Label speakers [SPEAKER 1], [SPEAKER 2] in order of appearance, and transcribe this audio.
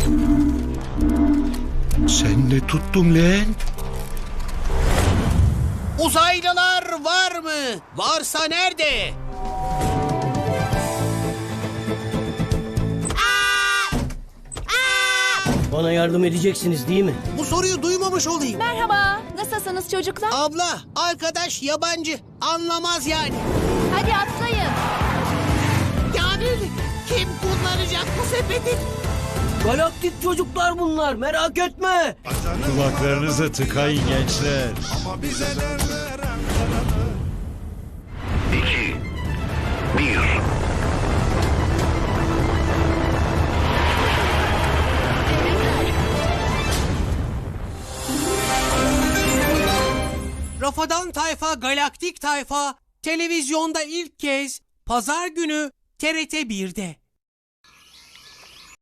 [SPEAKER 1] Sen ne tuttun lan?
[SPEAKER 2] Uzaylılar var mı? Varsa nerede?
[SPEAKER 3] Bana yardım edeceksiniz değil mi?
[SPEAKER 2] Bu soruyu duymamış olayım.
[SPEAKER 4] Merhaba, nasılsınız çocuklar?
[SPEAKER 2] Abla, arkadaş yabancı. Anlamaz yani.
[SPEAKER 4] Hadi atlayın.
[SPEAKER 2] Kamil, kim kullanacak bu sepeti?
[SPEAKER 3] Galaktik çocuklar bunlar, merak etme.
[SPEAKER 1] Kulaklarınızı tıkayın gençler.
[SPEAKER 5] 2 1
[SPEAKER 2] Rafadan Tayfa Galaktik Tayfa televizyonda ilk kez Pazar günü TRT 1'de.